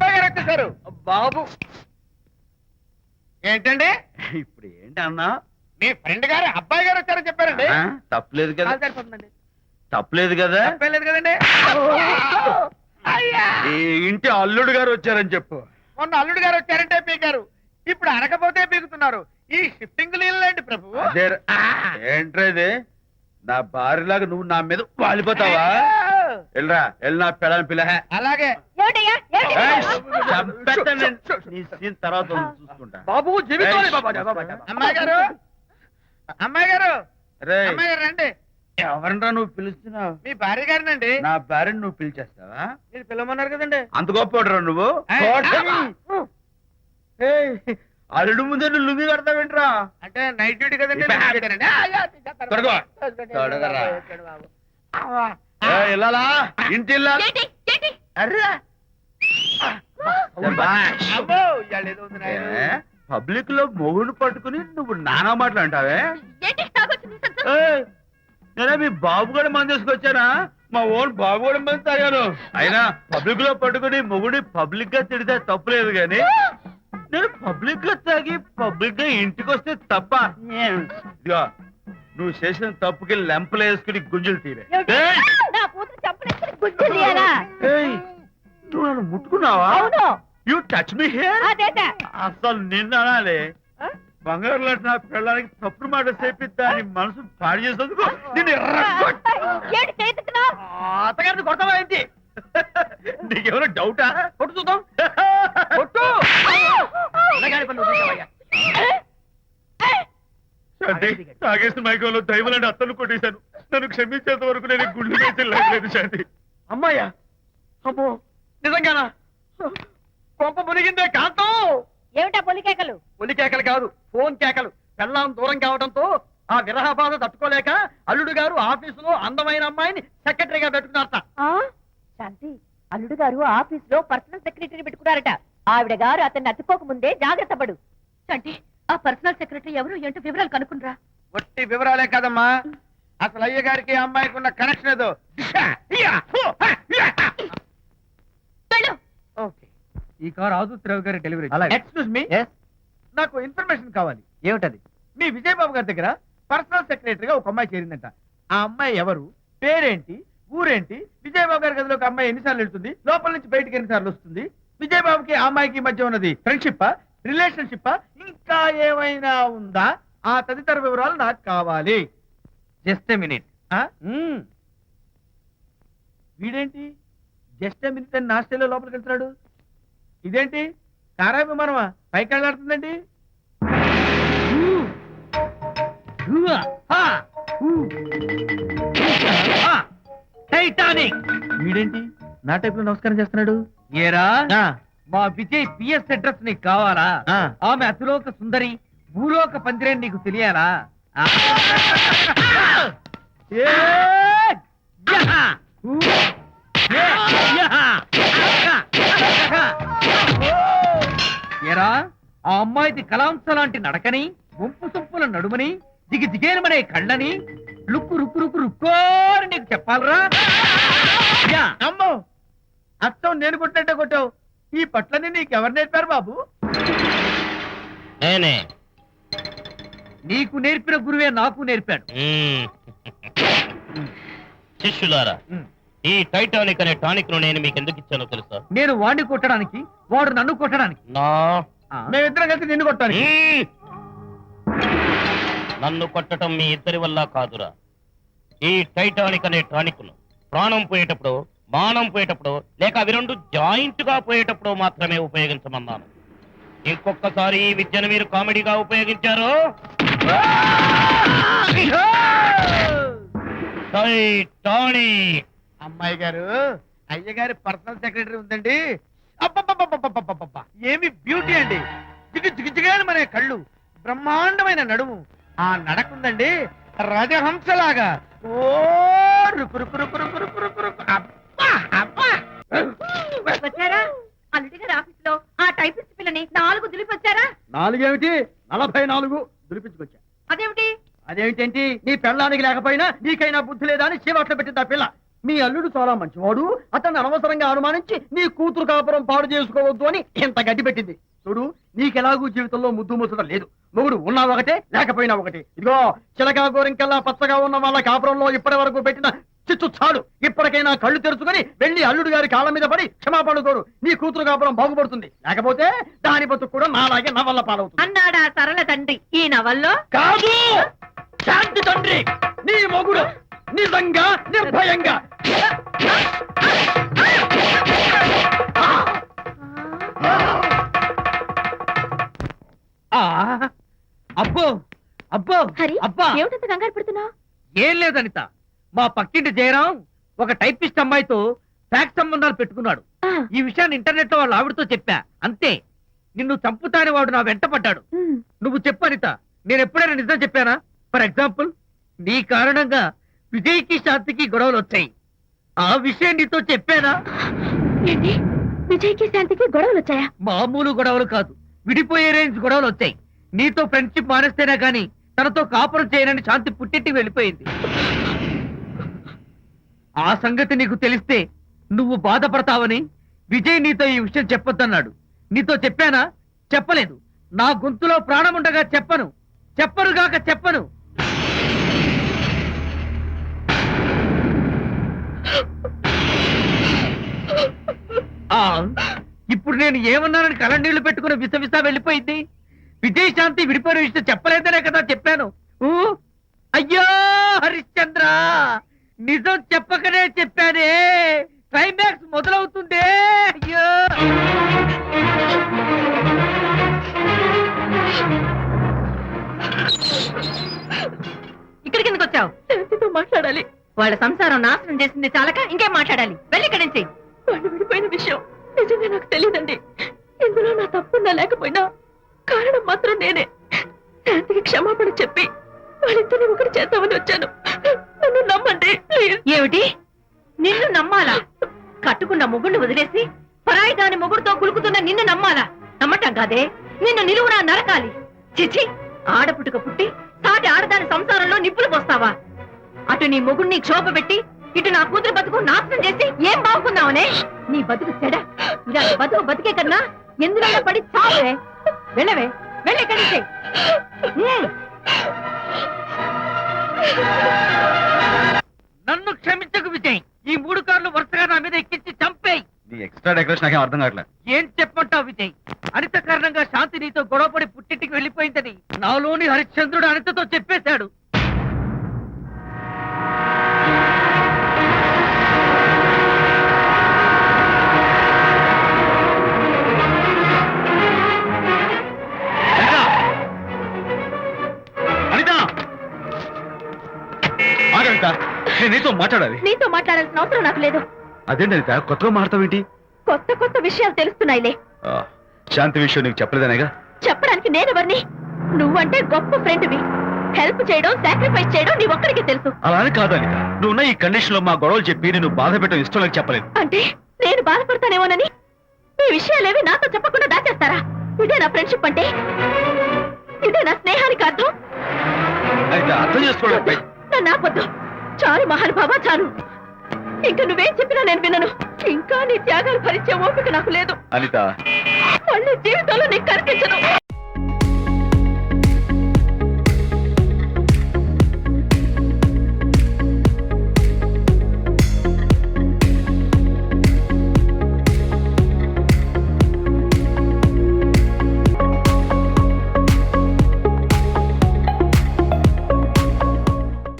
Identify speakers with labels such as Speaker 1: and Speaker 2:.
Speaker 1: అబ్బాయి గారు వచ్చేసారు. బాబు ఏంటండి
Speaker 2: ఇప్పుడు ఏంటన్నా?
Speaker 1: మీ ఫ్రెండ్ గారు అబ్బాయి గారు వచ్చారని చెప్పారండి.
Speaker 2: తప్పలేదు కదా?
Speaker 1: సరిపోతుందండి.
Speaker 2: తప్పలేదు కదా?
Speaker 1: తప్పలేదు కదండి.
Speaker 2: ఈ ఇంటి అల్లుడు గారు వచ్చారని చెప్పు.
Speaker 1: మొన్న అల్లుడు గారు వచ్చారంటే పీకారు, ఇప్పుడు అనకపోతే పీకుతున్నారు. ఈ షిఫ్టింగ్ లీలండి ప్రభు.
Speaker 2: ఏంట్రా ఇది? నా భార్యలాగా నువ్వు నా మీద వాలిపోతావా? వెళ్ళరా, వెళ్ళి నా పెళ్ళని పిల్ల.
Speaker 1: అలాగే
Speaker 2: తర్వాత చూసుకుంటా.
Speaker 1: బాబు జీవితం. అమ్మాయి గారు, అమ్మాయి గారు, అమ్మాయి గారు రండి.
Speaker 2: ఎవరినరా నువ్వు పిలుస్తున్నావు?
Speaker 1: మీ భార్య గారినండి.
Speaker 2: నా భార్యను నువ్వు పిలిచేస్తావా?
Speaker 1: మీరు పిలవమన్నారు కదండి.
Speaker 2: అంత గొప్ప నువ్వు? అల్లుడు ముందే నువ్వు లుంగి కడతావేంట్రా?
Speaker 1: అంటే నైట్ డ్యూటీ కదండి.
Speaker 2: వెళ్ళాలా? ఇంటి పబ్లిక్ లో మొగుడు పట్టుకుని నువ్వు నానా మాటలు అంటావే? నేనే మీ బాబు కూడా మంది తీసుకొచ్చానా? మా ఓన్ బాబు కూడా మంది తాగాను. అయినా పబ్లిక్ లో పట్టుకుని మొగుడి పబ్లిక్ గా తిడితే తప్పులేదు గాని నేను పబ్లిక్ గా తాగి పబ్లిక్ గా ఇంటికి వస్తే తప్ప. ఇదిగో నువ్వు చేసిన తప్పుకి లెంపలు వేసుకుని గుంజులు తీరే. నువ్వు నన్ను ముట్టుకున్నావా? You touch me here. అసలు నిన్న అనాలి. బంగారు లాంటి నా పిల్లలకి తప్పుడు మాట చేపిద్దా అని మనసు పాడు చేసేందుకు నేను అత్తగారిని కొడతావా ఏంటి? నీకెవరో డౌటా? కొట్టు చూద్దాం. కొట్టు. తాగేసిన మైకంలో దైవలాంటి అత్తలు కొట్టేశాను. నన్ను క్షమించేంత వరకు నేను గుళ్ళు వేసి లేదు శాంతి. అమ్మాయ్యా, అమ్మో నిజంగానా? కొంప మునిగిందే కాంతం.
Speaker 3: ఏమిటా పొలికేకలు?
Speaker 1: పొలికేకలు కాదు, ఫోన్ కేకలు. పెళ్ళాం దూరం కావడంతో ఆ విరహ బాధ తట్టుకోలేక అల్లుడు గారు ఆఫీసులో అందమైన అమ్మాయిని సెక్రటరీగా పెట్టుకున్నారట.
Speaker 3: శాంతి, అల్లుడు గారు ఆఫీసులో పర్సనల్ సెక్రటరీ పెట్టుకున్నారట. ఆవిడ గారు అతన్ని అతుక్కోక ముందే జాగ్రత్త పడు. శాంతి, ఆ పర్సనల్ సెక్రటరీ ఎవరు ఏంటో వివరాలు కనుక్కునరా.
Speaker 1: వట్టి వివరాలే కదమ్మా, అసలు అయ్య గారికి అమ్మాయికి ఉన్న కనెక్షన్ ఏదో. ఈ కార్ ఆదుత్రావు గారి డెలివరీ. ఎక్స్క్యూజ్ మీ, నాకు ఇన్ఫర్మేషన్ కావాలి. ఏమిటది? మీ విజయబాబు గారి దగ్గర పర్సనల్ సెక్రటరీగా ఒక అమ్మాయి చేరిందంట. ఆ అమ్మాయి ఎవరు, పేరేంటి, ఊరేంటి, విజయబాబు గారి గదిలోకి అమ్మాయి ఎన్నిసార్లు వెళ్తుంది, లోపల నుంచి బయటికి ఎన్నిసార్లు వస్తుంది, విజయబాబుకి ఆ అమ్మాయికి మధ్య ఉన్నది ఫ్రెండ్షిప్, రిలేషన్షిప్, ఇంకా ఏమైనా ఉందా? ఆ తదితర వివరాలు నాకు కావాలి. Just a minute. వీడేంటి జస్ట్ ఎ మినిట్ అని నా స్టైల్లో లోపలికి వెళ్తున్నాడు? ఇదేంటి కారా విమానమా పైకి వెళ్ళాడుతుందండి? టైటానిక్. వీడేంటి నా టైప్ లో నమస్కారం చేస్తున్నాడు? ఏరా, మా విజయ్ పిఎస్ అడ్రస్ నీకు కావాలా? ఆమె అతిలోక సుందరి, భూలోక పందిరే నీకు తెలియాలా? ఏరా, ఆ అమ్మాయిది కలాంస లాంటి నడకని, వంపు సొంపుల నడుమని, దిగి దిగేనమనే కళ్ళని, లుక్కు రుక్కు రుక్కు రుక్కోని నీకు చెప్పాలరా? అమ్మో, అత్తం నేను కొట్టినట్టే కొట్టావు. ఈ పట్లని నీకెవరు నేర్పారు బాబు?
Speaker 4: నేనే.
Speaker 1: నీకు నేర్పిన గురువే నాకు నేర్పాడు.
Speaker 4: శిష్యులారా, ఈ టైటానిక్ అనే టానిక్ ను నేను మీకు ఎందుకు ఇచ్చానో తెలుసా?
Speaker 1: నేను వాడిని కొట్టడానికి, వాడు నన్ను కొట్టడానికి. మేమిద్దరం కలిసి నిన్ను కొట్టాను.
Speaker 4: నన్ను కొట్టడం మీ ఇద్దరి వల్ల కాదురా. ఈ టైటానిక్ అనే టానిక్ ను ప్రాణం పోయేటప్పుడు, మానం పోయేటప్పుడు, లేక అవి రెండు జాయింట్ గా పోయేటప్పుడు మాత్రమే ఉపయోగించమన్నాను. ఇంకొకసారి ఈ విద్యను మీరు కామెడీగా ఉపయోగించారు, టైటానిక్.
Speaker 1: అమ్మాయి గారు, అయ్యగారి పర్సనల్ సెక్రటరీ ఉందండి. అబ్బబ్బబ్బబ్బబ్బబ్బబ్బ, ఏమి బ్యూటీ అండి! జిగు జిగుజిగాని మనే కళ్ళు, బ్రహ్మాండమైన నడుము, ఆ నడకుందండి రజహంసలాగా. ఓ రుకు రుకు రుకు రుకు రుకు రుకు రుకు. అబ్బా అబ్బా.
Speaker 3: వచ్చారా? అల్లుడి గారి ఆఫీసులో ఆ టైపిస్ట్ పిల్లని 4 దులిపొచ్చారా?
Speaker 1: 4 ఏమిటి, 44 దులిపించుకొచ్చా.
Speaker 3: అదేమిటి?
Speaker 1: అదేమిటేంటి, నీ పెళ్ళానికి లేకపోయినా నీకైనా బుద్ధి లేదా అని చీవాట్లు పెట్టింది ఆ పిల్ల. మీ అల్లుడు చాలా మంచివాడు, అతన్ని అనవసరంగా అనుమానించి నీ కూతురు కాపురం పాడు చేసుకోవద్దు అని ఇంత గడ్డి పెట్టింది. చూడు, నీకెలాగూ జీవితంలో ముద్దు ముచ్చట లేదు. మొగుడు ఉన్నా ఒకటే, లేకపోయినా ఒకటే. ఇదిగో చిలకా గోరింకల్లా పచ్చగా ఉన్న వాళ్ళ కాపురంలో ఇప్పటి వరకు పెట్టిన చిచ్చు చాలు. ఇప్పటికైనా కళ్ళు తెరుచుకుని వెళ్ళి అల్లుడు గారి కాళ్ళ మీద పడి క్షమాపణ కోరు. నీ కూతురు కాపురం బాగుపడుతుంది. లేకపోతే దాని బతుకు కూడా నాలాగే నవల్ల పాలవుతుంది.
Speaker 3: అన్నాడా సరళ తండ్రి ఈ నవల్లో?
Speaker 1: కాదు, శాంతి తండ్రి, నీ మొగుడు నిజంగా నిర్భయంగా.
Speaker 2: అబ్బో అబ్బో
Speaker 3: హరి,
Speaker 2: అబ్బా
Speaker 3: ఏమిటంత కంగారు పడుతున్నావు?
Speaker 2: ఏం లేదనిత, మా పక్కింటి జయరాం ఒక టైపిస్ట్ అమ్మాయితో ఫ్యాక్స్ సంబంధాలు పెట్టుకున్నాడు. ఈ విషయాన్ని ఇంటర్నెట్ లో వాళ్ళ ఆవిడతో చెప్పా, అంతే. నిన్ను చంపుతాని వాడు నా వెంట పడ్డాడు. నువ్వు చెప్పు అనిత, నేను ఎప్పుడైనా నిజం చెప్పానా? ఫర్ ఎగ్జాంపుల్, నీ కారణంగా విజయ్కి శాంతికి గొడవలు వచ్చాయి. ఆ విషయం నీతో చెప్పానా?
Speaker 3: ఏంటి, విజయ్కి శాంతికి గొడవలు వచ్చాయా?
Speaker 2: మామూలు గొడవలు కాదు, విడిపోయే రేంజ్ గొడవలు వచ్చాయి. నీతో ఫ్రెండ్షిప్ మానేస్తేనే గాని తనతో కాపురం చేయనని శాంతి పుట్టింటికి వెళ్ళిపోయింది. ఆ సంగతి నీకు తెలిస్తే నువ్వు బాధపడతావని విజయ్ నీతో ఈ విషయం చెప్పొద్దన్నాడు. నీతో చెప్పానా? చెప్పలేదు. నా గొంతులో ప్రాణముండగా చెప్పను, చెప్పనుగాక చెప్పను. ఇప్పుడు నేను ఏమన్నానని కళ్ళనీళ్లు పెట్టుకుని విసవిసా వెళ్ళిపోయింది. విజయ్ శాంతి విడిపోయిన విషయం చెప్పలేదనే కదా చెప్పాను. అయ్యో హరిశ్చంద్ర, నిజం చెప్పకనే చెప్పానే. క్లైమాక్స్ మొదలవుతుందే. అయ్యో
Speaker 3: ఇక్కడికి ఎందుకు వచ్చావు? శాంతితో మాట్లాడాలి. వాళ్ళ సంసారం నాశనం చేసింది చాలక ఇంకేం మాట్లాడాలి? వెళ్ళి ఇక్కడి నుంచి. వాళ్ళు విడిపోయిన విషయం నిజంగా నాకు తెలియదండి. ఇందులో నా తప్పున్నా లేకపోయినా కారణం మాత్రం నేనే. శాంతికి క్షమాపణ చెప్పి వాళ్ళిద్దరిని ఒకటి చేద్దామని వచ్చాను. నన్ను నమ్మండి ప్లీజ్. ఏమిటి, నిన్ను నమ్మాలా? కట్టుకున్న మొగుడిని వదిలేసి పరాయి దాని మొగుడుతో కులుకుతున్న నిన్ను నమ్మాలా? నమ్మటం కాదే, నిన్ను నిలువునా నరకాలి. చిచి, ఆడపుట్టుక పుట్టి సాటి ఆడదాని సంసారంలో నిప్పులు పోస్తావా? అటు నీ మొగుడిని క్షోభ పెట్టి ఇటు నా కూతురు బతుకు నాశనం చేసి ఏం బాగుకుందామనే? నీ బతుకు చెడ. ఇలాంటి బతుకు బతికే కన్నా ఎందులో పడి చావే. వెళ్ళవే, వెళ్ళి కలిసి.
Speaker 2: నన్ను క్షమించకు విజయ్. ఈ 3 కార్లు వరుసగా నా మీద ఎక్కించి చంపేయి.
Speaker 1: నీ ఎక్స్ట్రా డెకరేషన్ నాకేం అర్థం కావట్లేదు.
Speaker 2: ఏం చెప్పంటావు విజయ్? అనిత కారణంగా శాంతి నీతో గొడవపడి పుట్టింటికి వెళ్ళిపోయిందని నాలోని హరిశ్చంద్రుడు అనితతో చెప్పేశాడు.
Speaker 1: నేను నీతో మాట్లాడాలి.
Speaker 3: నీతో మాట్లాడాల్సిన అవసరం నాకు లేదు.
Speaker 1: అదేంటి అనిత, కొత్తగా మాట్లాడతావేంటి?
Speaker 3: కొత్త కొత్త విషయాలు తెలుస్తున్నాయిలే.
Speaker 1: శాంతి విషయం నీకు చెప్పలేదనేగా?
Speaker 3: చెప్పడానికి నేనెవరిని? నువ్వంటే గొప్ప ఫ్రెండ్వి. హెల్ప్ చేయడం, సాక్రిఫైస్ చేయడం నీ ఒక్కడికి తెలుసు.
Speaker 1: అలా అని కాదు అనిత, నువ్వున్న ఈ కండిషన్ లో మా గొడవలు చెప్పి నేను బాధ పెట్టడం ఇష్టం లేక చెప్పలేదు.
Speaker 3: అంటే నేను బాధపడతానేమోనని ఈ విషయాలేవి నాతో చెప్పకుండా దాచేస్తారా? ఇదే నా ఫ్రెండ్షిప్ అంటే? ఇదే నా స్నేహానికి అర్థం?
Speaker 1: అయితే అర్థం చేసుకోవడం.
Speaker 3: నన్ను ఆపొద్దు. చాలు మహానుభావా, చాలు. ఇంకా నువ్వేం చెప్పినా నేను వినను. ఇంకా నీ త్యాగాలు భరించే ఓపిక నాకు లేదు
Speaker 1: అనిత.
Speaker 3: మళ్ళీ జీవితంలో నీకు కనిపించను.